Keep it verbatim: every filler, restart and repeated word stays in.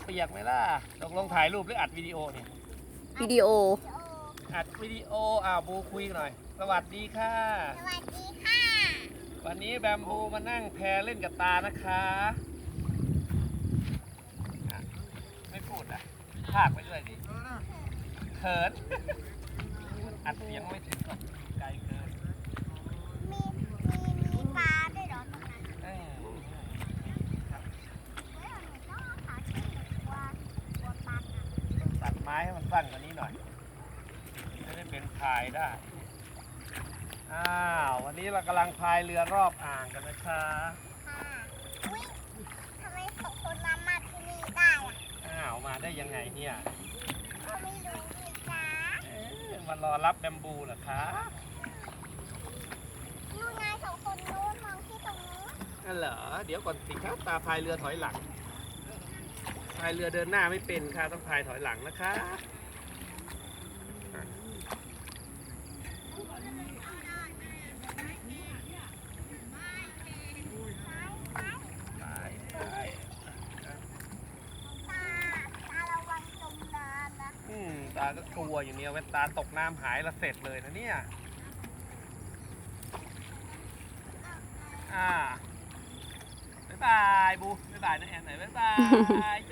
เปียกไหมล่ะตกลงถ่ายรูปหรืออัดวิดีโอเนี่ยวิดีโออัดวิดีโออ่าบูคุยหน่อยสวัสดีค่ะสวัสดีค่ะวันนี้แบมบูมานั่งแพเล่นกับตานะคะอ่ะไม่พูดอ่ะพากไปเรื่อยดิเขิน อัดเสียงไม่ถึงหรอกไกลเกินมีมีมีปลาด้วยเหรอตรงนั้นเอ้ยครับเฮ้ยหนูต้องเอาขาขึ้นหนูกลัวกลัวปลากัดต้องตัดไม้ให้มันสั้นกว่านี้หน่อยจะได้เป็นพายได้อ้าววันนี้เรากำลังพายเรือรอบอ่างกันนะคะค่ะอุ้ยทำไมสองคนมามาที่นี่ได้อะอ้าวมาได้ยังไงเนี่ยก็ไม่รู้นี่จ้าเอ๊ะมารอรับแบมบูเหรอคะนู่นไงสองคนนู้นมองที่ตรงนู้นนั่นเหรอเดี๋ยวก่อนสิครับตาพายเรือถอยหลังพายเรือเดินหน้าไม่เป็นค่ะต้องพายถอยหลังนะคะไปไปตาตาระวังจมน้ำนะอืมตาก็กลัวอยู่เนี่ยเว้นตาตกน้ำหายละเสร็จเลยนะเนี่ยอ่าบ๊ายบายบูบ๊ายบายนะแอนหน่อยบ๊ายบาย